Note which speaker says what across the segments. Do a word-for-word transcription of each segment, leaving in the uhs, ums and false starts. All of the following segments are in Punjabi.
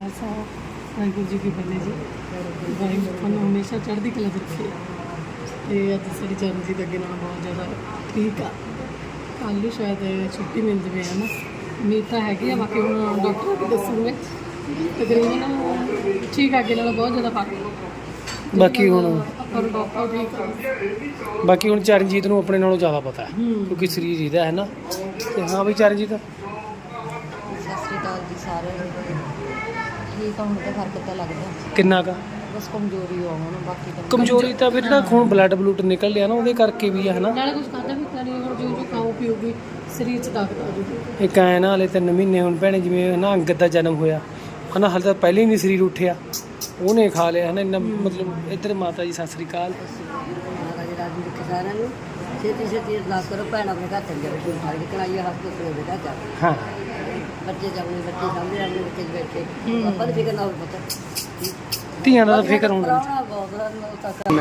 Speaker 1: ਵਾਹਿਗੁਰੂ ਜੀ ਕੀ ਫਤਿਹ ਜੀ। ਵਾਹਿਗੁਰੂ ਤੁਹਾਨੂੰ ਹਮੇਸ਼ਾ ਚੜ੍ਹਦੀ ਕਲਾ 'ਚ ਰੱਖੇ। ਤੇ ਅੱਜ ਸਾਡੀ ਚਰਨਜੀਤ ਅੱਗੇ ਨਾਲੋਂ ਬਹੁਤ ਜ਼ਿਆਦਾ ਠੀਕ ਆ। ਕੱਲ੍ਹ ਨੂੰ ਸ਼ਾਇਦ ਛੁੱਟੀ ਮਿਲ ਜਾਵੇ ਹੈ ਨਾ, ਉਮੀਦ ਤਾਂ ਹੈਗੀ ਆ। ਬਾਕੀ ਹੁਣ ਡਾਕਟਰ ਵੀ ਦੱਸੂਗੇ, ਤਕਰੀਬਨ ਠੀਕ ਆ, ਅੱਗੇ ਨਾਲੋਂ ਬਹੁਤ ਜ਼ਿਆਦਾ ਫਰਕ।
Speaker 2: ਬਾਕੀ ਹੁਣ
Speaker 1: ਪਰ ਡਾਕਟਰ ਠੀਕ ਆ।
Speaker 2: ਬਾਕੀ ਹੁਣ ਚਰਨਜੀਤ ਨੂੰ ਆਪਣੇ ਨਾਲੋਂ ਜ਼ਿਆਦਾ ਪਤਾ ਹੈ ਕਿਉਂਕਿ ਸਰੀਰ ਇਹਦਾ ਹੈ ਨਾ। ਤੇ ਹਾਂ ਬਈ ਚਰਨਜੀਤ
Speaker 3: ਸਤਿ ਸ਼੍ਰੀ ਅਕਾਲ ਜੀ ਸਾਰਿਆਂ ਨੂੰ। ਠੀਕ ਆ, ਹੁਣ ਤਾਂ ਫਰਕ ਤਾਂ ਲੱਗਦਾ,
Speaker 2: ਕਿੰਨਾ ਕੁ
Speaker 3: ਬਸ ਕਮਜ਼ੋਰੀ ਆ ਹੁਣ। ਬਾਕੀ ਤਾਂ
Speaker 2: ਕਮਜ਼ੋਰੀ ਤਾਂ ਫਿਰ ਨਾ ਖੂਨ ਬਲੱਡ ਬਲੂਟ ਨਿਕਲ ਲਿਆ ਨਾ, ਉਹਦੇ ਕਰਕੇ ਵੀ ਆ ਹੈ ਨਾ।
Speaker 1: ਨਾਲੇ ਕੁਝ ਖਾਧਾ ਵੀ ਤਾਂ ਨਹੀਂ, ਹੁਣ ਜੋ ਜੋ ਖਾਓ ਪੀਓਗੇ ਸਰੀਰ 'ਚ ਤਾਕਤ ਆ ਜੂਗੀ।
Speaker 2: ਇੱਕ ਐਂ ਨਾ ਹਲੇ ਤਿੰਨ ਮਹੀਨੇ ਹੁਣ ਭੈਣੇ ਜਿਵੇਂ ਨਾ ਅੰਗਦ ਦਾ ਜਨਮ ਹੋਇਆ ਹੈ ਨਾ, ਹਾਲੇ ਤਾਂ ਪਹਿਲੇ ਹੀ ਨਹੀਂ ਸਰੀਰ ਉੱਠਿਆ, ਉਹਨੇ ਖਾ ਲਿਆ ਹੈ ਨਾ ਇੰਨਾ। ਮਤਲਬ ਇੱਧਰ ਮਾਤਾ ਜੀ ਸਤਿ ਸ਼੍ਰੀ ਅਕਾਲ।
Speaker 3: ਮਹਾਰਾਜ ਰਾਜੀ ਰੱਖੇ ਸਾਰਿਆਂ ਨੂੰ। ਛੇਤੀ ਛੇਤੀ ਅਰਦਾਸ ਕਰੋ, ਭੈਣ ਆਪਣੇ ਘਰ ਚੱਲ ਜਾਵੇ, ਕੋਈ ਠਾੜੀ ਕਰਾਈਏ ਹਸਪਤਾਲ ਦੇ ਘਰ ਜਾ।
Speaker 2: ਹਾਂ
Speaker 3: ਬੱਚੇ ਜਾਣੇ, ਬੱਚੇ ਸਾਹਮਣੇ ਆਪਣੇ ਬੱਚੇ 'ਚ ਬੈਠੇ, ਆਪਾਂ ਨੂੰ ਫਿਕਰ ਨਾ ਹੋਵੇ ਪਤਾ।
Speaker 2: ਧੀਆਂ ਦਾ ਤਾਂ ਫਿਕਰ ਹੋਣਾ।
Speaker 3: ਕਰਾਉਣਾ ਬਹੁਤ ਬੜਾ।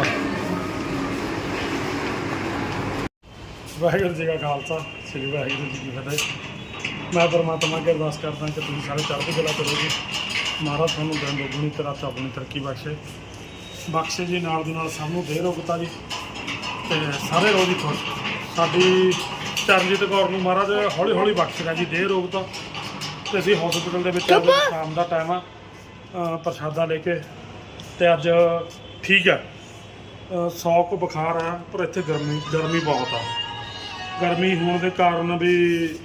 Speaker 4: ਵਾਹਿਗੁਰੂ ਜੀ ਕਾ ਖਾਲਸਾ, ਸ੍ਰੀ ਵਾਹਿਗੁਰੂ ਜੀ ਕੀ ਫਤਿਹ। ਮੈਂ ਪਰਮਾਤਮਾ ਅੱਗੇ ਅਰਦਾਸ ਕਰਦਾ ਕਿ ਤੁਸੀਂ ਸਾਰੇ ਚੜ੍ਹਦੀ ਕਲਾ ਕਰੋ ਜੀ। ਮਹਾਰਾਜ ਤੁਹਾਨੂੰ ਦਿਨ ਦੁਗਣੀ ਤੇ ਰਾਤ ਚੌਗੁਣੀ ਤਰੱਕੀ ਬਖਸ਼ੇ ਬਖਸ਼ੇ ਜੀ। ਨਾਲ ਦੀ ਨਾਲ ਸਭ ਨੂੰ ਦੇ ਰੋਗਤਾ ਜੀ, ਤੇ ਸਾਰੇ ਰੋਗ ਹੀ ਖੁਸ਼। ਸਾਡੀ ਚਰਨਜੀਤ ਕੌਰ ਨੂੰ ਮਹਾਰਾਜ ਹੌਲੀ ਹੌਲੀ ਬਖਸ਼ੇਗਾ ਜੀ ਦੇ ਰੋਗਤਾ। ਤੇ ਅਸੀਂ ਹਸਪੀਟਲ ਦੇ ਵਿੱਚ ਅੱਜ ਸ਼ਾਮ ਦਾ ਟਾਈਮ ਆ, ਅ, ਪ੍ਰਸ਼ਾਦਾ ਲੈ ਕੇ, ਤੇ ਅੱਜ ਠੀਕ ਹੈ। ਸੌ ਕੁ ਬੁਖਾਰ ਆ, ਪਰ ਇੱਥੇ ਗਰਮੀ ਗਰਮੀ ਬਹੁਤ ਆ। ਗਰਮੀ ਹੋਣ ਦੇ ਕਾਰਨ ਵੀ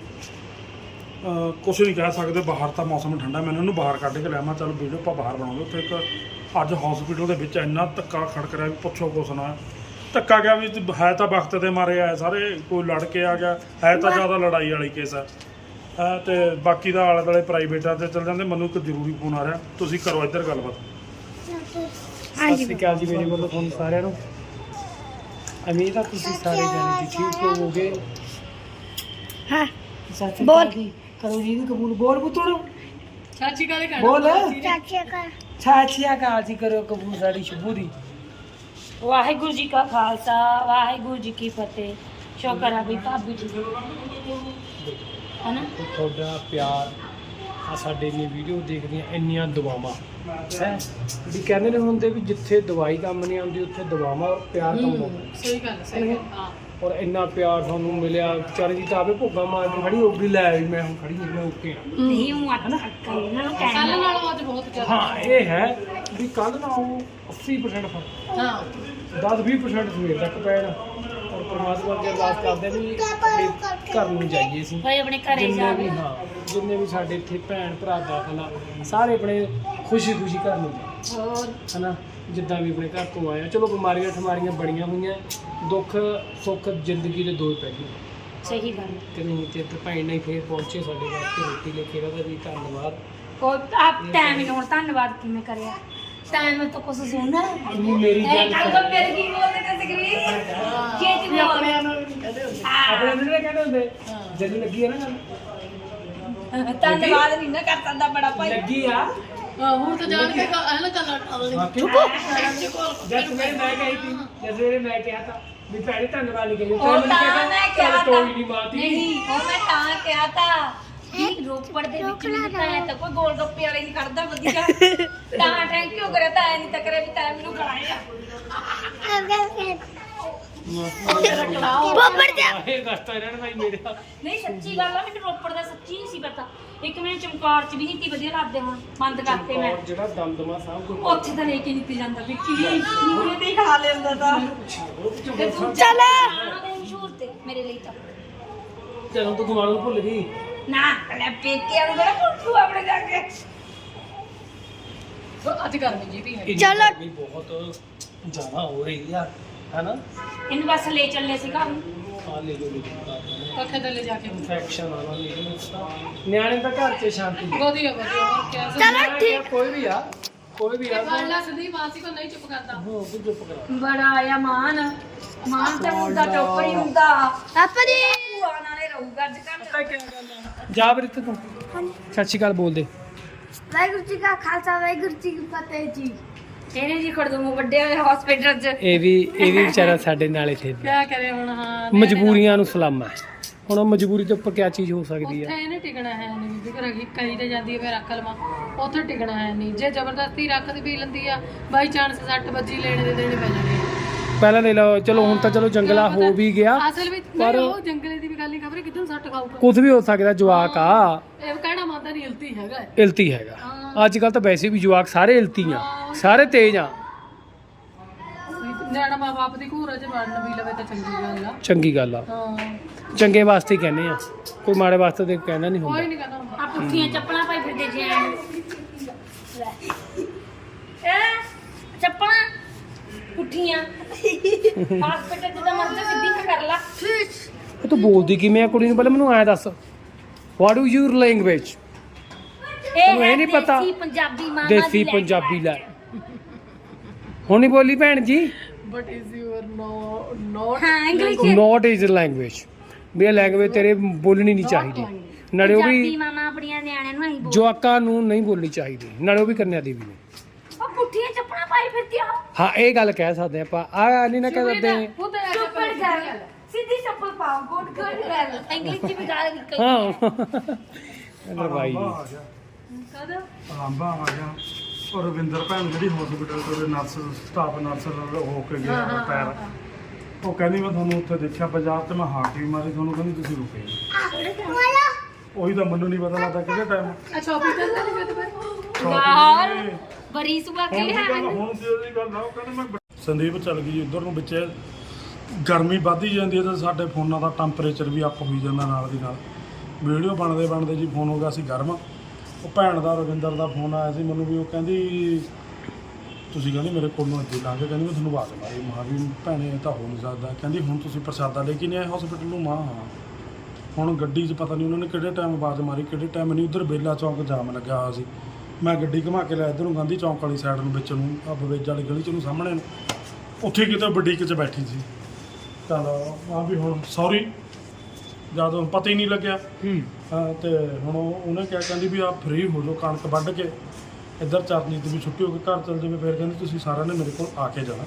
Speaker 4: ਕੁਛ ਨਹੀਂ ਕਹਿ ਸਕਦੇ। ਬਾਹਰ ਤਾਂ ਮੌਸਮ ਠੰਡਾ, ਮੈਨੂੰ ਉਹਨੂੰ ਬਾਹਰ ਕੱਢ ਕੇ ਲਿਆਵਾਂ, ਚਲੋ ਵੀਡੀਓ ਆਪਾਂ ਬਾਹਰ ਬਣਾਉਂਦੇ। ਉੱਥੇ ਇੱਕ ਅੱਜ ਹਸਪੀਟਲ ਦੇ ਵਿੱਚ ਇੰਨਾ ਧੱਕਾ ਖੜਕ ਰਿਹਾ ਵੀ ਪੁੱਛੋ ਕੁਛ ਨਾ। ਧੱਕਾ ਗਿਆ ਵੀ ਹੈ ਤਾਂ ਵਕਤ ਦੇ ਮਾਰੇ ਆਏ ਸਾਰੇ, ਕੋਈ ਲੜ ਕੇ ਆ ਗਿਆ, ਹੈ ਤਾਂ ਜ਼ਿਆਦਾ ਲੜਾਈ ਵਾਲੀ ਕੇਸ ਆ। ਅਤੇ ਬਾਕੀ ਦਾ ਆਲੇ ਦੁਆਲੇ ਪ੍ਰਾਈਵੇਟਾਂ 'ਤੇ ਚੱਲ ਜਾਂਦੇ। ਮੈਨੂੰ ਇੱਕ ਜ਼ਰੂਰੀ ਫੋਨ ਆ ਰਿਹਾ, ਤੁਸੀਂ ਕਰੋ ਇੱਧਰ ਗੱਲਬਾਤ।
Speaker 2: ਸਤਿ ਸ਼੍ਰੀ ਅਕਾਲ ਜੀ ਮੇਰੇ ਵੱਲੋਂ ਤੁਹਾਨੂੰ ਸਾਰਿਆਂ ਨੂੰ। ਉਮੀਦ ਆ ਤੁਸੀਂ ਸਾਰੇ ਜਾਣੇ ਜੀ ਠੀਕ ਹੋਵੋਗੇ।
Speaker 1: ਹਾਂ
Speaker 2: ਬੋਲ ਕਰੋ ਜੀ ਕਬੂਲ। ਬੋਲ ਪੁੱਤਰ
Speaker 1: ਚਾਚੀ ਕਾਲੇ ਕਰ
Speaker 2: ਬੋਲ। ਚਾਚੀ ਅਕਾਲ ਜੀ ਕਰੋ ਕਬੂਲ ਸਾਡੀ ਸ਼ੁਭੂ ਦੀ।
Speaker 5: ਵਾਹਿਗੁਰੂ ਜੀ ਕਾ ਖਾਲਸਾ, ਵਾਹਿਗੁਰੂ ਜੀ ਕੀ ਫਤਿਹ। ਸ਼ੁਕਰ ਆ ਵੀ ਭਾਬੀ ਜੀ ਹਨਾ
Speaker 2: ਤੁਹਾਡਾ ਪਿਆਰ ਆ, ਸਾਡੇ ਦੀਆਂ ਵੀਡੀਓ ਦੇਖਦੀਆਂ ਇੰਨੀਆਂ ਦੁਆਵਾਂ ਹੈ ਵੀ ਕਹਿੰਦੇ ਨੇ ਹੁੰਦੇ ਵੀ ਜਿੱਥੇ ਦਵਾਈ ਕੰਮ ਨਹੀਂ ਆਉਂਦੀ ਉੱਥੇ ਦੁਆਵਾਂ ਪਿਆਰ ਕੰਮ ਆਉਂਦਾ।
Speaker 1: ਸਹੀ ਗੱਲ ਸਹੀ ਗੱਲ। ਹਾਂ
Speaker 2: ਔਰ ਇੰਨਾ ਪਿਆਰ ਤੁਹਾਨੂੰ ਮਿਲਿਆ। ਚਰਨਜੀਤ ਆਵੇ ਭੁੱਗਾ ਮਾਰ ਕੇ ਖੜੀ ਹੋ ਗਈ, ਲੈ ਵੀ ਮੈਂ ਹੁਣ ਖੜੀ ਹਾਂ, ਮੈਂ ਓਕੇ ਹਾਂ।
Speaker 5: ਨਹੀਂ ਹੂੰ ਅੱਟ ਇਹਨਾਂ ਨੂੰ
Speaker 1: ਕੱਲ੍ਹ
Speaker 5: ਕਹਿਣਾ
Speaker 1: ਨਾਲੋਂ ਅੱਜ ਬਹੁਤ ਜ਼ਿਆਦਾ।
Speaker 2: ਹਾਂ ਇਹ ਹੈ ਵੀ ਕੱਲ੍ਹ ਨਾਲੋਂ ਅੱਸੀ ਪਰਸੈਂਟ ਫਰਕ,
Speaker 1: ਹਾਂ
Speaker 2: ਦਸ ਵੀਹ ਪਰਸੈਂਟ ਸਵੇਰ ਤੱਕ ਪੈਣਾ। ਔਰ ਪਰਮਾਤਮਾ ਅੱਗੇ ਅਰਦਾਸ ਕਰਦੇ ਵੀ ਆਪਣੇ ਘਰ ਨੂੰ ਜਾਈਏ ਅਸੀਂ,
Speaker 5: ਭਾਈ ਆਪਣੇ ਘਰੇ
Speaker 2: ਜਿੰਨੇ
Speaker 5: ਜਾ
Speaker 2: ਵੀ ਹਾਂ ਜਿੰਨੇ ਵੀ ਸਾਡੇ ਇੱਥੇ ਭੈਣ ਭਰਾ ਦਾਖਲ ਆ, ਸਾਰੇ ਆਪਣੇ ਖੁਸ਼ੀ ਖੁਸ਼ੀ ਘਰ ਨੂੰ ਜਾਈਏ
Speaker 1: ਹੋਰ
Speaker 2: ਹੈ ਨਾ। ਜਿੱਦਾਂ ਵੀ ਆਪਣੇ ਘਰ ਤੋਂ ਆਏ ਆ, ਚਲੋ ਬਿਮਾਰੀਆਂ ਠਮਾਰੀਆਂ ਬੜੀਆਂ ਹੋਈਆਂ, ਦੁੱਖ ਸੁੱਖ ਜ਼ਿੰਦਗੀ ਦੇ ਦੋ ਹੀ ਪੈ ਗਏ
Speaker 5: ਸਹੀ ਗੱਲ
Speaker 2: ਕਿ ਨਹੀਂ। ਤੇ ਇੱਥੇ ਭੈਣ ਨਹੀਂ ਫੇਰ ਪਹੁੰਚੇ ਸਾਡੇ ਵਾਸਤੇ ਰੋਟੀ ਲੈ ਕੇ। ਉਹਦਾ ਵੀ ਧੰਨਵਾਦ।
Speaker 5: ਕੋਈ ਆਪ ਟਾਈਮ ਹੀ ਹੁਣ ਧੰਨਵਾਦ ਕਿਵੇਂ ਕਰਿਆ। ਟਾਈਮ ਤੋਂ ਕੁਝ ਸੁਣਨਾ
Speaker 2: ਤੂੰ ਮੇਰੀ ਗੱਲ
Speaker 5: ਕੱਲ ਤੋਂ ਮੇਰੇ ਕੀ ਬੋਲਦੇ ਤੇ ਸਕਰੀ ਖੇਤ ਵੀ
Speaker 1: ਆਪਣੇ ਨੂੰ ਕਹਦੇ ਹੁੰਦੇ।
Speaker 2: ਆਪਣੇ ਨੂੰ ਨਹੀਂ ਕਹਿੰਦੇ ਹੁੰਦੇ ਜਦੋਂ ਲੱਗੀ ਆ ਨਾ ਗੱਲ,
Speaker 5: ਧੰਨਵਾਦ ਨਹੀਂ ਨਾ ਕਰ ਸਕਦਾ ਬੜਾ ਭਾਈ।
Speaker 2: ਲੱਗੀ ਆ
Speaker 1: ਹਾਂ ਹੁਣ ਤਾਂ ਜਾਣ ਕੇ ਹੈ ਨਾ ਚੱਲ ਅਗਲੀ
Speaker 2: ਚੁੱਪ। ਜਦ ਤੂੰ ਮੇਰੇ ਮੈਂ ਕਹੀ ਸੀ, ਜਦ ਮੇਰੇ ਮੈਂ ਕਿਹਾ ਤਾਂ ਵੀ ਭੈਣੇ ਧੰਨਵਾਦ ਨਹੀਂ ਕਹੀ,
Speaker 5: ਉਹ ਤਾਂ ਮੈਂ ਕਿਹਾ
Speaker 2: ਕੋਈ
Speaker 5: ਤਾਂ
Speaker 2: ਨਹੀਂ ਮਾਰਦੀ।
Speaker 5: ਨਹੀਂ ਉਹ ਮੈਂ ਤਾਂ ਕਿਹਾ ਤਾਂ ਵੀ ਰੋਪੜ ਦੇ ਵਿੱਚ ਵੀ ਤਾਂ ਐ ਤਾਂ ਕੋਈ ਗੋਲ ਗੱਪੇ ਵਾਲੇ ਨਹੀਂ ਖੜਦਾ ਵਧੀਆ। ਤਾਂ ਥੈਂਕ ਯੂ ਕਰਿਆ ਤਾਂ ਐ ਨਹੀਂ ਤਾਂ ਕਰੇ ਵੀ ਤਾਂ ਮੈਨੂੰ ਖੜਾਇਆ
Speaker 2: ਬੱਬਰ ਜਾ ਇਹ ਗਸਤਾ ਇਹਨਾਂ ਨੇ ਭਾਈ ਮੇਰੇ ਨਾਲ।
Speaker 5: ਨਹੀਂ ਸੱਚੀ ਗੱਲ ਆ, ਮੈਨੂੰ ਰੋਪੜ ਦਾ ਸੱਚੀ ਨਹੀਂ ਸੀ ਪਤਾ। ਇੱਕ ਮੈਨੂੰ ਚਮਕੌਰ ਚ ਵੀ ਨਹੀਂ ਤੀ ਵਧੀਆ ਲੱਗਦੇ, ਹੁਣ ਬੰਦ ਕਰਤੇ ਮੈਂ।
Speaker 2: ਔਰ ਜਿਹੜਾ ਦਮਦਮਾ ਸਾਹਿਬ ਕੋਈ
Speaker 5: ਉੱਥੇ ਤਾਂ ਲੈ ਕੇ ਨਹੀਂ ਜਾਂਦਾ ਵੀ ਕੀ ਮੂਰੇ ਤੇ ਹੀ ਖਾ ਲੈਂਦਾ ਤਾਂ। ਤੇ ਤੂੰ
Speaker 2: ਚੱਲ
Speaker 5: ਦੇ ਮਸ਼ਹੂਰ ਤੇ ਮੇਰੇ ਲਈ ਤਾਂ
Speaker 2: ਚਲੋ ਤੂੰ ਗਵਾਲ ਨੂੰ ਭੁੱਲ ਗਈ
Speaker 5: ਨਾ ਲੈ ਪੇਕੇ ਨੂੰ ਬੜਾ ਪੁੱਛੂ ਆਪਣੇ ਜਾ ਕੇ।
Speaker 1: ਅੱਜ ਗਰਮੀ ਜੀ ਵੀ ਹੈ।
Speaker 2: ਚਲੋ ਵੀ ਬਹੁਤ ਜ਼ਿਆਦਾ ਹੋ ਰਹੀ ਆ ਹੈ ਨਾ।
Speaker 5: ਇਹਨੂੰ ਬਸ ਲੈ ਚੱਲੇ ਸੀ ਘਰ ਨੂੰ।
Speaker 2: ਆ ਲੈ ਜੋ ਲਿਖਦਾ
Speaker 1: ਪੱਖੇ ਥੱਲੇ ਜਾ ਕੇ
Speaker 2: ਇਨਫੈਕਸ਼ਨ ਆਣਾ ਨਹੀਂ। ਨਿਆਣੇ ਤਾਂ ਘਰ 'ਚ ਸ਼ਾਂਤੀ ਹੈ।
Speaker 1: ਵਧੀਆ ਵਧੀਆ। ਹੋਰ ਕਿਆ
Speaker 2: ਚਲੋ ਠੀਕ। ਕੋਈ ਵੀ ਆ ਕੋਈ ਵੀ ਆ
Speaker 1: ਬਾਲਾ ਸਦੀ ਮਾਸੀ ਕੋ ਨਹੀਂ ਚੁੱਪ ਕਰਦਾ।
Speaker 2: ਹੋ ਤੂੰ ਚੁੱਪ ਕਰਾ।
Speaker 5: ਬੜਾ ਆਇਆ ਮਾਨ ਮਾਨ ਤੇ ਮੁੰਡਾ ਚੋਪਰ ਹੀ ਹੁੰਦਾ। ਆਪਾ ਜੀ ਭੂਆ ਨਾਲੇ ਰਹੂਗਾ ਅੱਜ ਕੱਲ।
Speaker 2: ਜਾ ਵੀਰ ਤੂੰ ਸਤਿ ਸ਼੍ਰੀ ਅਕਾਲ ਬੋਲ ਦੇ।
Speaker 5: ਵਾਹਿਗੁਰੂ ਜੀ ਕਾ ਖਾਲਸਾ, ਵਾਹਿਗੁਰੂ ਜੀ ਕੀ ਫਤਿਹ ਜੀ। ਇਹਨੇ ਜੀ ਖੜਦੂ ਵੱਡੇ ਹੋਏ ਹਸਪੀਟਲ 'ਚ।
Speaker 2: ਇਹ ਵੀ ਇਹ ਵੀ ਵਿਚਾਰਾ ਸਾਡੇ ਨਾਲ ਇੱਥੇ
Speaker 1: ਕਿਆ ਕਰੇ ਹੁਣ। ਹਾਂ
Speaker 2: ਮਜਬੂਰੀਆਂ ਨੂੰ ਸਲਾਮਾ ਹੈ। ਹੁਣ ਮਜਬੂਰੀ ਦੇ ਉੱਪਰ ਕਿਆ ਚੀਜ਼ ਹੋ ਸਕਦੀ
Speaker 1: ਉੱਥੇ
Speaker 2: ਹੈ।
Speaker 1: ਇਹਨੇ ਟਿਕਣਾ ਹੈ ਨਹੀਂ ਬੀਬੀ ਘਰ ਗਈ ਕਈ ਤੇ ਜਾਂਦੀ ਹੈ ਫਿਰ ਰੱਖ ਲਵਾਂ, ਉੱਥੇ ਟਿਕਣਾ ਹੈ ਨਹੀਂ। ਜੇ ਜ਼ਬਰਦਸਤੀ ਰੱਖਦੀ ਪੀ ਲੈਂਦੀ ਆ ਬਾਈ ਚਾਂਸ ਸੱਟ ਵੱਜੀ ਲੈਣੇ ਦੇ ਦੇਣੇ ਪੈ ਜਾਣੇ ਆ।
Speaker 2: ਪਹਿਲਾਂ ਲੈ ਲਓ, ਚਲੋ ਹੁਣ ਤਾਂ ਚਲੋ ਜੰਗਲਾ ਹੋ ਵੀ ਗਿਆ,
Speaker 1: ਅਸਲ ਵਿੱਚ
Speaker 2: ਪਰ-
Speaker 1: ਨਹੀਂ, ਉਹ ਜੰਗਲੇ ਦੀ ਵੀ ਗੱਲ ਨਹੀਂ, ਖਬਰ ਕਿੱਦੋਂ ਸੱਟ ਖਾਊਗਾ।
Speaker 2: ਕੁਝ ਵੀ ਹੋ ਸਕਦਾ। ਜਵਾਕ ਆ,
Speaker 1: ਇਹ ਕਹਿਣਾ ਮਾਤਾ ਨਹੀਂ ਇਲਤੀ ਹੈਗਾ ਹੈ।
Speaker 2: ਇਲਤੀ ਹੈਗਾ। ਅੱਜ ਕੱਲ ਤਾਂ ਵੈਸੇ ਵੀ ਜਵਾਕ ਸਾਰੇ ਇਲਤੀ ਆ, ਸਾਰੇ ਤੇਜ਼ ਆ।
Speaker 1: ਨਿਆਣਾ ਮਾਂ ਬਾਪ ਦੀ ਘੂਰ ਚ ਵੜਨ ਵੀ ਲਵੇ ਤਾਂ ਚੰਗੀ ਗੱਲ ਆ।
Speaker 2: ਚੰਗੀ ਗੱਲ ਆ,
Speaker 1: ਹਾਂ
Speaker 2: ਚੰਗੇ ਵਾਸਤੇ ਹੀ ਕਹਿੰਦੇ ਆ, ਕੋਈ ਮਾੜੇ ਵਾਸਤੇ ਤੇ ਕਹਿਣਾ ਨਹੀਂ
Speaker 1: ਕੋਈ
Speaker 2: ਹੁੰਦਾ।
Speaker 1: ਨਹੀਂ ਕਹਿੰਦਾ ਹੁੰਦਾ।
Speaker 5: ਆ ਪੁੱਠੀਆਂ ਚੱਪਲਾਂ ਪਾਈ ਫਿਰਦੇ ਜੇ ਇਹ ਚੱਪਲਾਂ ਪੁੱਠੀਆਂ ਹਸਪੀਟਲ ਚ ਤਾਂ ਮਰਜ਼ੀ ਸਿੱਧੀ ਕਰ ਲਾ।
Speaker 2: ਇਹ ਤੂੰ ਬੋਲਦੀ ਕਿਵੇਂ ਆ ਕੁੜੀ ਨੂੰ? ਪਹਿਲਾਂ ਮੈਨੂੰ ਐਂ ਦੱਸ, ਵਾਟ ਇਜ਼ ਯੂਰ ਲੈਂਗੁਏਜ? ਤੈਨੂੰ ਇਹ
Speaker 5: ਹੈ
Speaker 2: ਨਹੀਂ ਪਤਾ?
Speaker 5: ਦੇਸੀ ਪੰਜਾਬੀ ਮਾਮਾ
Speaker 2: ਦੇਸੀ
Speaker 5: ਦੀ
Speaker 2: ਪੰਜਾਬੀ ਲੈ, ਹੁਣ ਨਹੀਂ ਬੋਲੀ ਭੈਣ ਜੀ।
Speaker 1: But is your no not
Speaker 5: ਹਾਂ ਇੰਗਲਿਸ਼
Speaker 2: ਨੋਟ ਇਜ਼ ਲੈਂਗੁਏਜ, ਵੀ ਇਹ ਲੈਂਗੁਏਜ ਤੇਰੇ ਬੋਲਣੀ ਨਹੀਂ ਚਾਹੀਦੀ। ਨਾਲੇ ਉਹ
Speaker 5: ਪੰਜਾਬੀ
Speaker 2: ਵੀ
Speaker 5: ਮਾਮਾ ਆਪਣੀਆਂ ਨਿਆਣਿਆਂ ਨੂੰ ਅਸੀਂ ਬੋਲ
Speaker 2: ਜਵਾਕਾਂ ਨੂੰ ਨਹੀਂ ਬੋਲਣੀ ਚਾਹੀਦੀ, ਨਾਲੇ ਉਹ ਵੀ ਕੰਨਿਆ ਦੀ ਵੀ ਨਹੀਂ।
Speaker 5: ਉਹ ਪੁੱਠੀਆਂ ਚੱਪਲਾਂ ਪਾਈ ਫਿਰਦੀ ਆ।
Speaker 2: ਹਾਂ ਇਹ ਗੱਲ ਕਹਿ ਸਕਦੇ ਆਪਾਂ, ਆ ਨਹੀਂ ਨਾ ਕਹਿ ਸਕਦੇ।
Speaker 1: ਉਹ ਤਾਂ ਐਸਾ
Speaker 5: ਚੁੱਪੜ ਕਰ ਸਿੱਧੀ ਚੱਪਲ ਪਾਓ, ਗੁੱਡ ਗੁੱਡ ਗੱਲ। ਇੰਗਲਿਸ਼ ਚ ਵੀ ਗੱਲ ਨਿਕਲ
Speaker 2: ਹਾਂ ਕਹਿੰਦਾ ਬਾਈ
Speaker 4: ਆਰਾਂਭਾ ਆ ਗਿਆ,
Speaker 1: ਕਦ
Speaker 4: ਆਰਾਂਭਾ ਆ ਗਿਆ। ਔਰ ਰਵਿੰਦਰ ਭੈਣ ਜਿਹੜੀ ਹਸਪੀਟਲ ਤੋਂ ਨਰਸ ਸਟਾਫ ਨਰਸ ਹੋ ਕੇ ਗਿਆ ਰਿਟਾਇਰ, ਉਹ ਕਹਿੰਦੀ ਮੈਂ ਤੁਹਾਨੂੰ ਉੱਥੇ ਦੇਖਿਆ ਬਾਜ਼ਾਰ ਤੇ ਮੈਂ ਹਾਕ ਵੀ ਮਾਰੀ, ਤੁਹਾਨੂੰ ਕਹਿੰਦੀ ਤੁਸੀਂ ਰੁਕੇ ਨਹੀਂ। ਉਹੀ ਤਾਂ ਮੈਨੂੰ ਨਹੀਂ ਪਤਾ ਲੱਗਦਾ ਕਿਹੜੇ ਟਾਈਮ।
Speaker 1: ਅੱਛਾ ਆਫਿਸ ਦਾ ਨਹੀਂ ਪਤਾ
Speaker 5: ਯਾਰ ਬਰੀ ਸੁਬਾ
Speaker 4: ਹੁਣ
Speaker 5: ਕੇ
Speaker 4: ਦੀ ਗੱਲ
Speaker 5: ਹੈ
Speaker 4: ਹੁਣ ਦੀ ਉਹਦੀ ਗੱਲ ਆ, ਉਹ ਕਹਿੰਦੇ ਮੈਂ ਬ- ਸੰਦੀਪ ਚੱਲ ਗਈ ਉਧਰ ਨੂੰ, ਵਿੱਚ ਗਰਮੀ ਵੱਧਦੀ ਜਾਂਦੀ ਹੈ ਤੇ ਸਾਡੇ ਫੋਨਾਂ ਦਾ ਟੈਂਪਰੇਚਰ ਵੀ ਅੱਪ ਹੋਈ ਜਾਂਦਾ ਨਾਲ ਦੀ ਨਾਲ। ਵੀਡੀਓ ਬਣਦੇ ਬਣਦੇ ਜੀ ਫੋਨ ਹੋ ਗਿਆ ਸੀ ਗਰਮ। ਉਹ ਭੈਣ ਦਾ ਰਵਿੰਦਰ ਦਾ ਫੋਨ ਆਇਆ ਸੀ ਮੈਨੂੰ, ਵੀ ਉਹ ਕਹਿੰਦੀ ਤੁਸੀਂ ਕਹਿੰਦੀ ਮੇਰੇ ਕੋਲ ਨੂੰ ਅੱਗੇ ਲੰਘ ਕੇ ਕਹਿੰਦੀ ਮੈਂ ਤੁਹਾਨੂੰ ਆਵਾਜ਼ ਮਾਰੀ। ਮਾਂ ਵੀ ਭੈਣੇ ਇਹ ਤਾਂ ਹੋ ਨਹੀਂ ਸਕਦਾ। ਕਹਿੰਦੀ ਹੁਣ ਤੁਸੀਂ ਪ੍ਰਸ਼ਾਦਾ ਲੈ ਕੇ ਨਹੀਂ ਆਏ ਹਸਪੀਟਲ ਨੂੰ? ਮਾਂ ਹਾਂ। ਹੁਣ ਗੱਡੀ 'ਚ ਪਤਾ ਨਹੀਂ ਉਹਨਾਂ ਨੇ ਕਿਹੜੇ ਟਾਈਮ ਆਵਾਜ਼ ਮਾਰੀ, ਕਿਹੜੇ ਟਾਈਮ ਨਹੀਂ। ਉੱਧਰ ਬੇਲਾ ਚੌਂਕ ਜਾਮ ਲੱਗਿਆ ਹੋਇਆ ਸੀ। ਮੈਂ ਗੱਡੀ ਘੁਮਾ ਕੇ ਲਿਆ ਇੱਧਰ ਨੂੰ ਗਾਂਧੀ ਚੌਂਕ ਵਾਲੀ ਸਾਈਡ ਨੂੰ, ਵਿੱਚ ਨੂੰ ਆ ਬਵੇਜ ਵਾਲੀ ਗਲੀ 'ਚ ਨੂੰ ਸਾਹਮਣੇ ਨੂੰ, ਉੱਥੇ ਕਿਤੇ ਬੁਟੀਕ 'ਚ ਬੈਠੀ ਸੀ। ਚੱਲ ਆ ਵੀ ਹੁਣ ਸੌਰੀ ਜਦੋਂ ਪਤਾ ਹੀ ਨਹੀਂ ਲੱਗਿਆ।
Speaker 2: ਹੂੰ
Speaker 4: ਹਾਂ ਤੇ ਹੁਣ ਉਹ- ਉਹਨੇ ਕਿਹਾ, ਕਹਿੰਦੀ ਵੀ ਆ ਫ੍ਰੀ ਹੋ ਜਾਓ ਕਣਕ ਵੱਢ ਕੇ, ਇੱਧਰ ਚਰਨੀ ਦੀ ਵੀ ਛੁੱਟੀ ਹੋ ਕੇ ਘਰ ਚੱਲ ਜਾਵੇ। ਫਿਰ ਕਹਿੰਦੀ ਤੁਸੀਂ ਸਾਰਿਆਂ ਨੇ ਮੇਰੇ ਕੋਲ ਆ ਕੇ ਜਾਣਾ।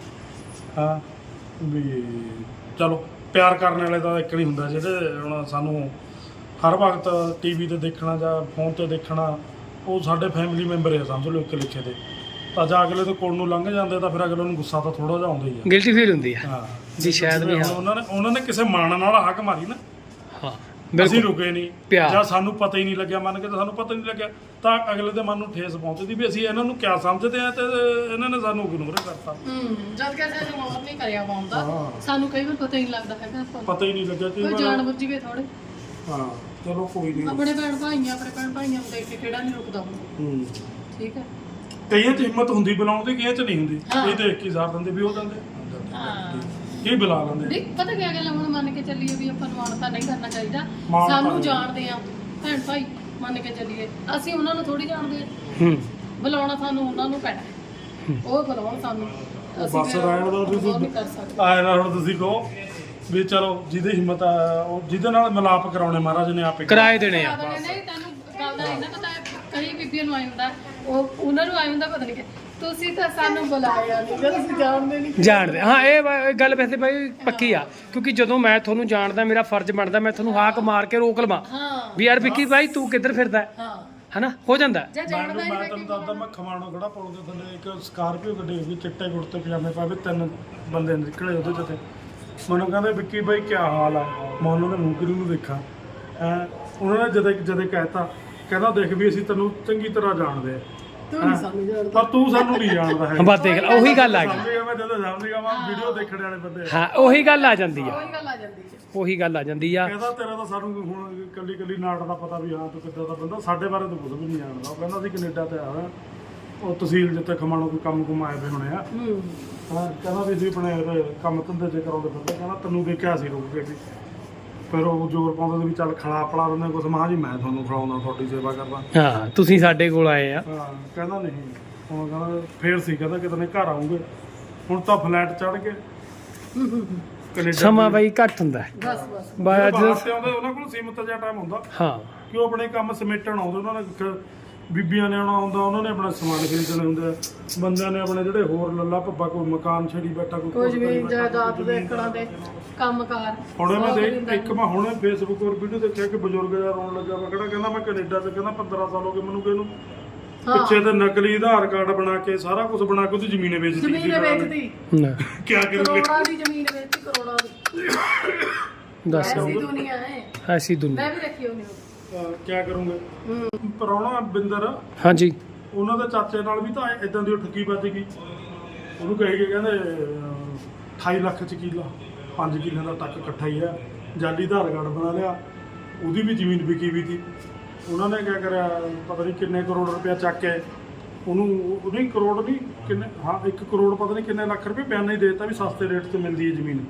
Speaker 4: ਹਾਂ ਵੀ ਚਲੋ ਪਿਆਰ ਕਰਨ ਵਾਲੇ ਤਾਂ ਇੱਕ ਨਹੀਂ ਹੁੰਦਾ, ਜਿਹੜੇ ਹੁਣ ਸਾਨੂੰ ਹਰ ਵਕਤ ਟੀਵੀ ਤੇ ਦੇਖਣਾ ਜਾਂ ਫੋਨ ਤੇ ਦੇਖਣਾ, ਉਹ ਸਾਡੇ ਫੈਮਿਲੀ ਮੈਂਬਰ ਆ ਸਮਝ ਲਓ ਇੱਕ ਲਿਖੇ ਦੇ। ਤਾਂ ਜਾਂ ਅਗਲੇ ਦੇ ਕੋਲ ਨੂੰ ਲੰਘ ਜਾਂਦੇ ਤਾਂ ਫਿਰ ਅਗਲੇ ਨੂੰ ਗੁੱਸਾ ਤਾਂ ਥੋੜਾ ਜਿਹਾ ਆਉਂਦਾ ਹੀ ਆ।
Speaker 2: ਗਿਲਟੀ ਫੀਲ ਹੁੰਦੀ ਆ।
Speaker 4: ਹਾਂ
Speaker 2: ਜੀ ਸ਼ਾਇਦ ਵੀ
Speaker 4: ਹੁਣ
Speaker 2: ਹਾਂ
Speaker 4: ਉਹਨਾਂ ਨੇ ਉਹਨਾਂ ਨੇ ਕਿਸੇ ਮਾਣ ਨਾਲ ਹੱਕ ਮਾਰੀ ਨਾ,
Speaker 2: ਹਾਂ
Speaker 4: ਅਸੀਂ
Speaker 2: ਬਿਲਕੁਲ
Speaker 4: ਰੁਕੇ ਨਹੀਂ
Speaker 2: ਪਿਆਰ।
Speaker 4: ਜਾਂ ਸਾਨੂੰ ਪਤਾ ਹੀ ਨਹੀਂ ਲੱਗਿਆ, ਮੰਨ ਕੇ ਤਾਂ ਸਾਨੂੰ ਪਤਾ ਨਹੀਂ ਲੱਗਿਆ, ਤਾਂ ਅਗਲੇ ਦੇ ਮਨ ਨੂੰ ਠੇਸ ਪਹੁੰਚਦੀ ਵੀ ਅਸੀਂ ਇਹਨਾਂ ਨੂੰ ਕਿਆ ਸਮਝਦੇ ਆ ਤੇ ਇਹਨਾਂ ਨੇ ਸਾਨੂੰ ਇਗਨੋਰ ਕਰਤਾ।
Speaker 1: ਹੂੰ ਜਦ ਕਿ ਸਾਨੂੰ ਮਾਫ ਨਹੀਂ ਕਰਿਆ ਪਾਉਂਦਾ,
Speaker 4: ਹਾਂ।
Speaker 1: ਸਾਨੂੰ ਕਈ ਵਾਰ ਪਤਾ ਹੀ ਨਹੀਂ ਲੱਗਦਾ ਹੈਗਾ ਆਪਾਂ ਨੂੰ।
Speaker 4: ਪਤਾ ਹੀ ਨਹੀਂ ਲੱਗਿਆ
Speaker 1: ਕੋਈ
Speaker 4: ਕਿ
Speaker 1: ਜਾਣ ਬੁੱਝੀ ਵੇ ਥੋੜੇ
Speaker 4: ਹਾਂ ਚਲੋ ਕੋਈ ਨਹੀਂ।
Speaker 1: ਆਪਣੇ ਭੈਣ ਭਾਈਆਂ ਆਪਣੇ ਭੈਣ ਭਾਈਆਂ ਨੂੰ ਦੇਖ ਕੇ ਕਿਹੜਾ ਨਹੀਂ ਰੁਕਦਾ ਹੁਣ।
Speaker 4: ਹੂੰ
Speaker 1: ਠੀਕ ਹੈ
Speaker 4: ਕਈਆਂ 'ਚ ਹਿੰਮਤ ਹੁੰਦੀ ਬੁਲਾਉਣ ਦੀ, ਕਈਆਂ 'ਚ ਨਹੀਂ ਹੁੰਦੀ।
Speaker 1: ਹਾਂ।
Speaker 4: ਇਹ ਦੇਖ ਕੇ ਸਾਰ ਦਿੰਦੇ ਵੀ ਉਹ ਜਾਂਦੇ
Speaker 1: ਹਾਂ
Speaker 4: ਇਹ ਬੁਲਾ ਲੈਂਦੇ।
Speaker 1: ਨਹੀਂ ਪਤਾ ਕੀ ਗੱਲ ਆ, ਹੁਣ ਮੰਨ ਕੇ ਚੱਲੀਏ ਵੀ ਆਪਾਂ ਨੂੰ ਮਾਣਤਾ ਨਹੀਂ ਕਰਨਾ ਚਾਹੀਦਾ।
Speaker 4: ਮਾਣ
Speaker 1: ਸਾਨੂੰ
Speaker 4: ਤਾਂ-
Speaker 1: ਜਾਣਦੇ ਆ ਭੈਣ ਭਾਈ, ਮੰਨ ਕੇ ਚੱਲੀਏ ਅਸੀਂ ਉਹਨਾਂ ਨੂੰ ਥੋੜੀ ਜਾਣਦੇ ਆ।
Speaker 2: ਹੂੰ
Speaker 1: ਬੁਲਾਉਣਾ ਸਾਨੂੰ ਉਹਨਾਂ ਨੂੰ ਪੈਣਾ, ਉਹ ਬੁਲਾਉਣ ਸਾਨੂੰ। ਅਸੀਂ
Speaker 4: ਬਸ
Speaker 1: ਫਿਰ
Speaker 4: ਰਹਿਣ ਦਿਓ ਤੁਸੀਂ।
Speaker 1: ਉਹ ਨਹੀਂ ਕਰ ਸਕਦੇ।
Speaker 4: ਆਏ ਨਾ ਹੁਣ ਤੁਸੀਂ ਕਹੋ ਵੀ ਚਲੋ ਜਿਹਦੀ ਹਿੰਮਤ ਆ ਉਹ ਜਿਹਦੇ ਨਾਲ ਮਿਲਾਪ ਕਰਾਉਣੇ ਮਹਾਰਾਜ ਨੇ ਆਪੇ
Speaker 2: ਕਿਰਾਏ ਦੇਣੇ ਆ।
Speaker 1: ਨਹੀਂ ਤੈਨੂੰ ਗੱਲ ਦਾ ਨਹੀਂ ਨਾ ਪਤਾ, ਕਈ ਬੀਬੀਆਂ ਨੂੰ ਆਈ ਹੁੰਦਾ, ਉਹ ਉਹਨਾਂ ਨੂੰ ਆਈ ਹੁੰਦਾ ਪਤਾ ਨਹੀਂ ਕਿ ਤੁਸੀਂ ਤਾਂ ਸਾਨੂੰ ਬੁਲਾਇਆ ਨਹੀਂ, ਜਦ ਅਸੀਂ ਜਾਣਦੇ ਨਹੀਂ।
Speaker 2: ਜਾਣਦੇ ਹਾਂ, ਇਹ ਵਾ- ਇਹ ਗੱਲ ਵੈਸੇ ਬਾਈ ਪੱਕੀ ਆ, ਕਿਉਂਕਿ ਜਦੋਂ ਮੈਂ ਤੁਹਾਨੂੰ ਜਾਣਦਾ ਮੇਰਾ ਫਰਜ਼ ਬਣਦਾ ਮੈਂ ਤੁਹਾਨੂੰ ਹਾਕ ਮਾਰ ਕੇ ਰੋਕ ਲਵਾਂ
Speaker 1: ਹਾਂ
Speaker 2: ਵੀ ਯਾਰ ਵਿੱਕੀ ਬਾਈ ਤੂੰ ਕਿੱਧਰ ਫਿਰਦਾ ਹੈ?
Speaker 1: ਹਾਂ
Speaker 2: ਹਨਾ ਹੋ ਜਾਂਦਾ।
Speaker 1: ਜੇ
Speaker 4: ਮੈਂ
Speaker 1: ਜਾਣਦਾ
Speaker 4: ਮੈਂ
Speaker 1: ਨਹੀਂ
Speaker 4: ਤੈਨੂੰ ਦੱਸਦਾ, ਮੈਂ ਖਮਾਣੋ ਖੜਾ ਪੁਲ ਦੇ ਥੱਲੇ ਇੱਕ ਸਕਾਰਪੀਓ ਗੱਡੀ ਹੋਈ, ਚਿੱਟੇ ਕੁੜਤੇ ਪਜਾਮੇ ਪਾਵੇ, ਤਿੰਨ ਬੰਦੇ ਨਿਕਲੇ ਉਹਦੇ ਚ ਤੇ ਮੈਨੂੰ ਕਹਿੰਦੇ ਵਿੱਕੀ ਬਾਈ ਕੀ ਹਾਲ ਆ। ਮੈਂ ਉਹਨਾਂ ਦੇ ਮੂੰਹ ਨੂੰ ਦੇਖਾਂ, ਐਂ ਉਹਨਾਂ ਨੇ ਜਦੇ ਜਦੇ ਕਹਿਤਾ, ਕਹਿੰਦਾ ਦੇਖ ਵੀ ਅਸੀਂ ਤੈਨੂੰ ਚੰਗੀ ਤਰ੍ਹਾਂ ਜਾਣਦੇ ਆ,
Speaker 1: ਤੂੰ ਨਹੀਂ ਸਾਨੂੰ ਜਾਣਦਾ।
Speaker 4: ਪਰ ਤੂੰ ਸਾਨੂੰ ਨਹੀਂ ਜਾਣਦਾ ਹੈ।
Speaker 2: ਬਸ ਦੇਖ ਲਾ, ਉਹੀ ਗੱਲ ਆ ਗਈ।
Speaker 4: ਸਮਝ ਗਿਆ ਮੈਂ, ਜਦੋਂ ਸਮਝ ਗਿਆ ਮੈਂ ਵੀਡੀਓ ਦੇਖਣ ਵਾਲੇ ਬੰਦੇ ਆ।
Speaker 2: ਹਾਂ ਉਹੀ ਗੱਲ ਆ ਜਾਂਦੀ ਆ,
Speaker 1: ਉਹੀ ਗੱਲ ਆ ਜਾਂਦੀ ਹੈ।
Speaker 2: ਉਹੀ ਗੱਲ ਆ ਜਾਂਦੀ ਆ।
Speaker 4: ਕਹਿੰਦਾ ਤੇਰਾ ਤਾਂ ਸਾਨੂੰ ਹੁਣ ਕੱਲੀ ਕੱਲੀ ਨਾਟ ਦਾ ਪਤਾ ਵੀ ਹਾਂ ਤੂੰ ਕਿੱਦਾਂ ਦਾ ਬੰਦਾ, ਸਾਡੇ ਬਾਰੇ ਤੂੰ ਕੁਝ ਵੀ ਨਹੀਂ ਜਾਣਦਾ। ਉਹ ਕਹਿੰਦਾ ਸੀ ਕੈਨੇਡਾ ਤੇ ਆਇਆ, ਉਹ ਤਹਿਸੀਲ ਜਿੱਥੇ ਖਮਾਣੋ ਕੋਈ ਕੰਮ ਕੁਮ ਆਏ ਵੇ ਹੋਣੇ ਆ।
Speaker 1: ਹੂੰ
Speaker 4: ਹਾਂ ਕਹਿੰਦਾ ਵੀ ਅਸੀਂ ਆਪਣੇ ਇਹਦੇ ਕੰਮ ਧੰਦੇ ਤੇ ਕਰਾਉਂਦੇ ਫਿਰਦੇ, ਕਹਿੰਦਾ ਤੈਨੂੰ ਦੇਖਿਆ ਸੀ ਰੁਕ ਕੇ ਵੀ। ਫਿਰ ਉਹ ਜ਼ੋਰ ਪਾਉਂਦਾ ਸੀ ਵੀ ਚੱਲ ਖਿਲਾ ਪਲਾ ਦਿੰਦੇ ਕੁਛ। ਮਹਾਂ ਜੀ ਮੈਂ ਤੁਹਾਨੂੰ ਖਿਲਾਉਂਦਾ, ਤੁਹਾਡੀ ਸੇਵਾ ਕਰਦਾ।
Speaker 2: ਹਾਂ ਤੁਸੀਂ ਸਾਡੇ ਕੋਲ ਆਏ ਆ।
Speaker 4: ਹਾਂ ਕਹਿੰਦਾ ਨਹੀਂ, ਹੁਣ ਕਹਿੰਦਾ ਫੇਰ ਸੀ, ਕਹਿੰਦਾ ਕਿਤੇ ਨੇ ਘਰ ਆਉਂਗੇ। ਹੁਣ ਤਾਂ ਫਲੈਟ ਚੜ੍ਹ ਕੇ ਕੈਨੇਡਾ
Speaker 2: ਸਮਾਂ ਬਾਈ ਘੱਟ ਹੁੰਦਾ ਹੈ।
Speaker 1: ਬਸ ਬਸ
Speaker 2: ਬਾਈ
Speaker 4: ਬਾਹਰ
Speaker 2: ਅੱਜ
Speaker 4: ਤੇ ਆਉਂਦੇ, ਉਹਨਾਂ ਕੋਲ ਸੀਮਤ ਜਿਹਾ ਟਾਈਮ ਹੁੰਦਾ
Speaker 2: ਹਾਂ
Speaker 4: ਕਿ ਉਹ ਆਪਣੇ ਕੰਮ ਸਮੇਟਣ ਆਉਂਦੇ। ਉਹਨਾਂ ਨੇ ਕ- ਬੀਬੀਆਂ ਨੇ ਆਉਣਾ ਹੁੰਦਾ, ਉਹਨਾਂ ਨੇ ਆਪਣਾ ਸਮਾਨ ਖਰੀਦਣੇ ਹੁੰਦਾ, ਬੰਦਿਆਂ ਨੇ ਆਪਣੇ ਜਿਹੜੇ ਹੋਰ ਲੱਲਾ ਭੱਬਾ, ਕੋਈ ਮਕਾਨ ਛੇੜੀ ਬੈਠਾ, ਕੋਈ
Speaker 1: ਕੁਝ
Speaker 4: ਕੁਛ
Speaker 1: ਵੀ
Speaker 4: ਕਰੀ ਬੈਠਾ,
Speaker 1: ਜਾਇਦਾਦ
Speaker 4: ਕੋਈ
Speaker 1: ਦੇਖਣਾ ਦੇ ਕੰਮਕਾਰ
Speaker 4: ਹੁਣ ਮੈਂ
Speaker 1: ਸਭ
Speaker 4: ਦੇਖ
Speaker 1: ਹੁੰਦਾ।
Speaker 4: ਇੱਕ ਮੈਂ ਹੁਣੇ ਫੇਸਬੁੱਕ ਔਰ ਵੀਡੀਓ ਦੇਖਿਆ ਕਿ ਬਜ਼ੁਰਗ ਜਿਹਾ ਰੋਣ ਲੱਗਾ ਵਾ, ਕਿਹੜਾ ਕਹਿੰਦਾ ਮੈਂ ਕੈਨੇਡਾ 'ਚ ਕਹਿੰਦਾ ਪੰਦਰਾਂ ਸਾਲ ਹੋ ਗਏ ਮੈਨੂੰ, ਕਿਹਨੂੰ
Speaker 1: ਹਾਂ।
Speaker 4: ਪਿੱਛੇ ਤੇ ਨਕਲੀ ਆਧਾਰ ਕਾਰਡ ਬਣਾ ਕੇ ਸਾਰਾ ਕੁਝ ਬਣਾ ਕੇ ਉਹਦੀ ਜ਼ਮੀਨ ਵੇਚ ਦਿੱਤੀ।
Speaker 1: ਜ਼ਮੀਨ ਵੇਚਦੀ,
Speaker 4: ਕੀ ਕਰੂਗੇ?
Speaker 1: ਕਰੋੜਾਂ ਦੀ ਜ਼ਮੀਨ ਵੇਚਦੀ, ਕਰੋੜਾਂ ਦੀ।
Speaker 2: ਦੱਸ
Speaker 1: ਐਸੀ ਦੁਨੀਆ ਹੈ,
Speaker 2: ਐਸੀ ਦੁਨੀਆ।
Speaker 1: ਮੈਂ ਵੀ ਰੱਖੀ ਹੋਣੀ
Speaker 4: ਕੀ ਕਰੂੰਗੇ?
Speaker 1: ਹੂੰ।
Speaker 4: ਪ੍ਰਾਹੁਣਾ ਬਿੰਦਰ,
Speaker 2: ਹਾਂਜੀ
Speaker 4: ਉਹਨਾਂ ਦੇ ਚਾਚੇ ਨਾਲ ਵੀ ਤਾਂ ਇਦਾਂ ਦੀ ਠੱਗੀ ਵੱਜ ਗਈ। ਉਹਨੂੰ ਕਹੇ ਕੇ ਕਹਿੰਦੇ ਅਹ, ਅਠਾਈ ਲੱਖ ਚ ਕਿੱਲਾ, ਪੰਜ ਕਿੱਲਿਆਂ ਦਾ ਟੱਕ ਇਕੱਠਾ ਹੀ ਆ, ਜਾਲੀ ਆਧਾਰ ਕਾਰਡ ਬਣਾ ਲਿਆ, ਉਹਦੀ ਵੀ ਜ਼ਮੀਨ ਵਿਕੀ ਵੀ ਸੀ। ਉਹਨਾਂ ਨੇ ਕਿਆ ਕਰਿਆ, ਪਤਾ ਨਹੀਂ ਕਿੰਨੇ ਕਰੋੜ ਰੁਪਇਆ ਚੱਕ ਕੇ ਉਹਨੂੰ, ਉਹ ਨਹੀਂ ਕਰੋੜ ਨਹੀਂ ਕਿੰਨੇ, ਹਾਂ ਇੱਕ ਕਰੋੜ ਪਤਾ ਨਹੀਂ ਕਿੰਨੇ ਲੱਖ ਰੁਪਏ ਬਿਆਨ ਹੀ ਦੇ ਦਿੱਤਾ ਵੀ ਸਸਤੇ ਰੇਟ ਤੇ ਮਿਲਦੀ ਹੈ ਜ਼ਮੀਨ।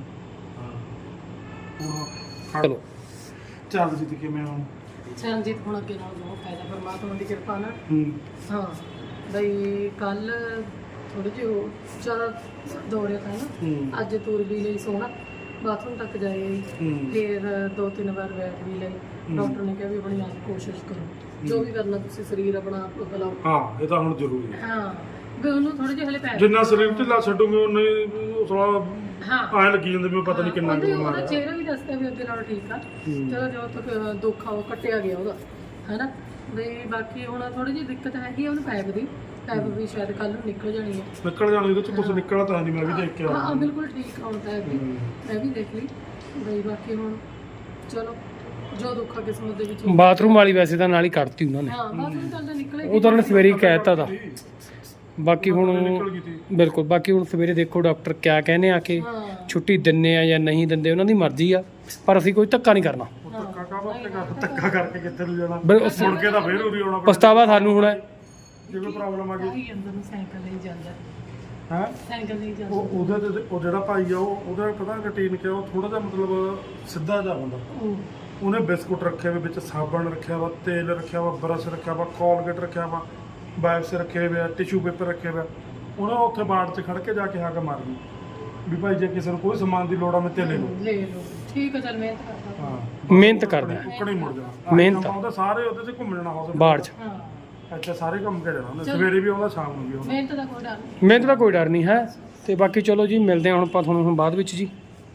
Speaker 4: ਹੁਣ
Speaker 2: ਚਲੋ
Speaker 4: ਚੱਲ ਜੀ ਤੇ ਕਿਵੇਂ ਹੁਣ?
Speaker 1: ਚਰਨਜੀਤ ਹੁਣ ਅੱਗੇ ਨਾਲ ਬਹੁਤ ਫਾਇਦਾ ਪਰਮਾਤਮਾ ਦੀ ਕਿਰਪਾ ਨਾਲ।
Speaker 4: ਹੂੰ
Speaker 1: ਹਾਂ ਬਈ ਕੱਲ ਥੋੜੇ ਜਿਹੇ ਉਹ ਜ਼ਿਆਦਾ ਦੌੜਿਆ ਤਾਂ ਨਾ,
Speaker 4: ਹੂੰ
Speaker 1: ਅੱਜ ਤੁਰ ਵੀ ਲਈ ਸੋਹਣਾ, ਬਾਥਰੂਮ ਤੱਕ ਜਾਏ,
Speaker 4: ਹੂੰ
Speaker 1: ਫਿਰ ਦੋ ਤਿੰਨ ਵਾਰ ਬੈਠ ਵੀ ਲਈ। ਡਾਕਟਰ ਨੇ ਕਿਹਾ ਵੀ ਆਪਣੀ ਆਪ ਕੋਸ਼ਿਸ਼ ਕਰੋ, ਜੋ ਵੀ ਕਰਨਾ ਤੁਸੀਂ ਸਰੀਰ ਆਪਣਾ ਆਪ ਬਲਾਓ।
Speaker 4: ਹਾਂ ਇਹ ਤਾਂ ਹੁਣ ਜ਼ਰੂਰੀ ਹੈ।
Speaker 1: ਹਾਂ ਵੀ ਉਹਨੂੰ ਥੋੜੇ ਜਿਹੇ ਹਲੇ ਪੈ
Speaker 4: ਜਿੰਨਾ ਸਰੀਰ ਢਿੱਲਾ ਛੱਡੂਗੇ ਉਨਾ ਹੀ ਥੋੜਾ
Speaker 1: ਹਾਂ
Speaker 4: ਐਂ ਲੱਗੀ ਜਾਂਦੇ ਵੀ ਪਤਾ ਨਹੀਂ ਕਿੰਨਾ ਕੁ
Speaker 1: ਉਹਦੇ-
Speaker 4: ਬਿਮਾਰ
Speaker 1: ਉਹਦਾ
Speaker 4: ਹੈ।
Speaker 1: ਚਿਹਰਾ ਵੀ ਦੱਸਦਾ ਵੀ ਅੱਗੇ ਨਾਲੋਂ ਠੀਕ ਆ। ਚਲੋ ਜਦੋਂ ਤੱਕ ਦੁੱਖ ਆ ਉਹ ਕੱਟਿਆ ਗਿਆ ਉਹਦਾ, ਹੈਨਾ ਵੀ ਬਾਕੀ ਹੁਣ ਥੋੜੀ ਜਿਹੀ ਦਿੱਕਤ ਹੈਗੀ ਆ ਉਹਨੂੰ ਪੈਪ ਦੀ, ਪੈਪ ਵੀ ਸ਼ਾਇਦ ਕੱਲ ਨੂੰ ਨਿਕਲ ਜਾਣੀ ਹੈ।
Speaker 4: ਨਿਕਲ ਜਾਣੀ ਇਹਦੇ ਚ ਕੁਝ ਨਿਕਲਣਾ ਤਾਂ ਨਹੀਂ, ਮੈਂ ਵੀ ਦੇਖ ਕੇ
Speaker 1: ਹਾਂ
Speaker 4: ਆਇਆ।
Speaker 1: ਬਿਲਕੁਲ ਠੀਕ ਆ ਹੁਣ ਪੈਪ ਵੀ, ਮੈਂ ਵੀ ਦੇਖ ਲਈ ਬਈ। ਬਾਕੀ ਹੁਣ ਚਲੋ ਜੋ ਦੁੱਖ ਆ ਕਿਸਮਤ ਦੇ ਵਿੱਚ ਹੁੰਦਾ।
Speaker 2: ਬਾਥਰੂਮ ਵਾਲੀ ਵੈਸੇ ਤਾਂ ਨਾਲ ਹੀ ਕੱਢਤੀ ਉਹਨਾਂ ਨੇ,
Speaker 1: ਹਾਂ ਬਾਥਰੂਮ ਚੱਲਦਾ ਨਿਕਲੇ
Speaker 2: ਉਹ ਤਾਂ ਉਹਨੇ ਸਵੇਰੇ ਹੀ ਕਹਿ ਦਿੱਤਾ ਤਾ। ਬਾਕੀ ਹੁਣ
Speaker 4: ਨਿਕਲ ਗਈ ਸੀ।
Speaker 2: ਬਿਲਕੁਲ, ਬਾਕੀ ਹੁਣ ਸਵੇਰੇ ਦੇਖੋ ਡਾਕਟਰ ਕਿਆ ਕਹਿੰਦੇ ਆ ਕਿ
Speaker 1: ਹਾਂ
Speaker 2: ਛੁੱਟੀ ਦਿੰਨੇ ਆ ਜਾਂ ਨਹੀਂ ਦਿੰਦੇ, ਉਹਨਾਂ ਦੀ ਮਰਜ਼ੀ ਆ, ਪਰ ਅਸੀਂ ਕੋਈ ਧੱਕਾ ਨਹੀਂ ਕਰਨਾ।
Speaker 4: ਉਹ ਧੱਕਾ ਕਾਹਦਾ ਤੇ ਕਰ ਧੱਕਾ ਕਰਕੇ ਕਿੱਥੇ ਨੂੰ ਜਾਣਾ?
Speaker 2: ਬਿਲ- ਉਸ-
Speaker 4: ਮੁੜ ਕੇ ਤਾਂ ਫੇਰ ਉਰੀ ਆਉਣਾ ਪੈਣਾ।
Speaker 2: ਪਛਤਾਵਾ ਸਾਨੂੰ ਹੁਣ ਹੈ।
Speaker 4: ਜੇ ਕੋਈ ਪ੍ਰੋਬਲਮ ਆ ਗਈ
Speaker 1: ਭਾਈ ਅੰਦਰ ਨੂੰ ਸਾਈਕਲ ਲਈ ਜਾਂਦਾ,
Speaker 4: ਹੈ
Speaker 1: ਸਾਈਕਲ ਲਈ ਜਾਂਦਾ।
Speaker 4: ਉਹ ਉਹਦੇ ਤੇ ਉਹ ਜਿਹੜਾ ਭਾਈ ਆ ਉਹ ਉਹਦਾ ਪਤਾ ਰੁਟੀਨ ਕਿਹਾ, ਉਹ ਥੋੜਾ ਜਿਹਾ ਮਤਲਬ ਸਿੱਧਾ ਜਿਹਾ ਬੰਦਾ।
Speaker 1: ਉਹ
Speaker 4: ਉਹਨੇ ਬਿਸਕੁਟ ਰੱਖੇ ਹੋਏ, ਵਿੱਚ ਸਾਬਣ ਰੱਖਿਆ ਵਾ, ਤੇਲ ਰੱਖਿਆ ਵਾ, ਬਰਸ਼ ਰੱਖਿਆ ਵਾ, ਕੋਲਗੇਟ ਰੱਖਿਆ ਵਾ, ਵਾਈਪਸ ਰੱਖੇ ਹੋਏ ਆ, ਟਿਸ਼ੂ ਪੇਪਰ ਰੱਖੇ ਹੋਏ ਆ। ਉਹਨੇ ਉੱਥੇ ਬਾੜ 'ਚ ਖੜ ਕੇ ਜਾ ਕੇ ਹੱਗ ਮਾਰਨੀ ਵੀ ਭਾਈ ਜੇ ਕਿਸੇ ਨੂੰ ਕੋਈ ਸਮਾਨ ਦੀ ਲੋੜ ਆ ਮੈਂ ਤੇ ਲੈ ਲਓ।
Speaker 1: ਲੈ ਲਓ, ਠੀਕ ਹੈ ਚੱਲ ਮਿਹਨਤ ਕਰਦਾ।
Speaker 4: ਹਾਂ
Speaker 2: ਮਿਹਨਤ ਕਰਦਾ ਹੈ।
Speaker 4: ਉੱਕਣੇ ਮੁੜ ਜਾਣਾ।
Speaker 2: ਮਿਹਨਤ।
Speaker 4: ਉਹਦੇ ਸਾਰੇ ਉਹਦੇ 'ਚ ਘੁੰਮ ਜਾਣਾ ਹੌਸਪੀਟਲ
Speaker 2: ਬਾੜ 'ਚ
Speaker 1: ਹਾਂ
Speaker 4: ਇੱਥੇ ਸਾਰੇ ਘੁੰਮ ਕੇ ਜਾਣਾ ਉਹਨੇ, ਸਵੇਰੇ ਵੀ ਆਉਂਦਾ ਸ਼ਾਮ ਨੂੰ ਵੀ ਆਉਂਦਾ।
Speaker 1: ਮਿਹਨਤ ਦਾ ਕੋਈ ਡਰ ਨਹੀਂ।
Speaker 2: ਮਿਹਨਤ ਦਾ ਕੋਈ ਡਰ ਨਹੀਂ ਹੈ। ਤੇ ਬਾਕੀ ਚਲੋ ਜੀ, ਮਿਲਦੇ ਹਾਂ ਹੁਣ ਆਪਾਂ ਤੁਹਾਨੂੰ ਹੁਣ ਬਾਅਦ ਵਿੱਚ ਜੀ।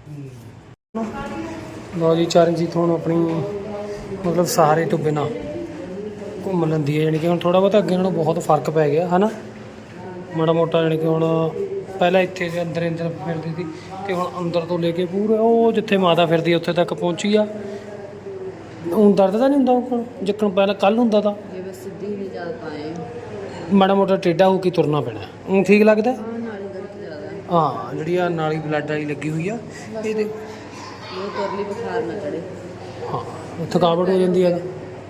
Speaker 2: ਲਓ ਜੀ, ਚਰਨਜੀਤ ਹੁਣ ਆਪਣੀ ਮਤਲਬ ਸਹਾਰੇ ਤੋਂ ਬਿਨਾਂ ਘੁੰਮ ਲੈਂਦੀ ਹੈ, ਯਾਨੀ ਕਿ ਹੁਣ ਥੋੜਾ ਬਹੁਤਾ ਅੱਗੇ ਨਾਲੋਂ ਬਹੁਤ ਫਰਕ ਪੈ ਗਿਆ ਹੈ ਨਾ, ਮਾੜਾ ਮੋਟਾ। ਯਾਨੀ ਕਿ ਹੁਣ ਪਹਿਲਾਂ ਇੱਥੇ ਦੇ ਅੰਦਰ ਅੰਦਰ ਫਿਰਦੀ ਸੀ, ਤੇ ਹੁਣ ਅੰਦਰ ਤੋਂ ਲੈ ਕੇ ਪੂਰੇ ਉਹ ਜਿੱਥੇ ਮਾਤਾ ਫਿਰਦੀ ਉੱਥੇ ਤੱਕ ਪਹੁੰਚੀ ਆ। ਹੁਣ ਦਰਦ ਤਾਂ ਨਹੀਂ ਹੁੰਦਾ ਹੁਣ ਜਿੱਕਣ ਪਹਿਲਾਂ ਕੱਲ ਹੁੰਦਾ ਤਾਂ?
Speaker 3: ਜੇ ਬਸ ਸਿੱਧੀ ਨਹੀਂ ਚੱਲ ਪਾਏ,
Speaker 2: ਮਾੜਾ ਮੋਟਾ ਟੇਢਾ ਹੋ ਕੇ ਤੁਰਨਾ ਪੈਣਾ। ਉਹ ਠੀਕ ਲੱਗਦਾ?
Speaker 3: ਹਾਂ ਨਾਲੇ ਦਰਦ ਜ਼ਿਆਦਾ,
Speaker 2: ਹਾਂ, ਜਿਹੜੀ ਆ ਨਾਲੀ ਬਲੱਡ ਵਾਲੀ ਲੱਗੀ ਹੋਈ ਆ ਇਹਦੇ,
Speaker 3: ਉਹ ਤੁਰ ਲਈ ਬੁਖਾਰ ਨਾ ਚੜੇ।
Speaker 2: ਹਾਂ ਥਕਾਵਟ ਹੋ ਜਾਂਦੀ ਹੈ,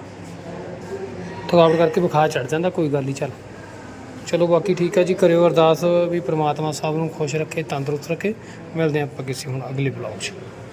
Speaker 2: ਥਕਾਵਟ ਕਰਕੇ ਬੁਖਾਰ ਚੜ ਜਾਂਦਾ। ਕੋਈ ਗੱਲ ਨਹੀਂ, ਚੱਲ ਚਲੋ ਬਾਕੀ ਠੀਕ ਹੈ ਜੀ। ਕਰਿਓ ਅਰਦਾਸ ਵੀ ਪ੍ਰਮਾਤਮਾ ਸਭ ਨੂੰ ਖੁਸ਼ ਰੱਖੇ, ਤੰਦਰੁਸਤ ਰੱਖੇ। ਮਿਲਦੇ ਹਾਂ ਆਪਾਂ ਕਿਸੇ ਹੁਣ ਅਗਲੇ ਬਲੌਗ 'ਚ।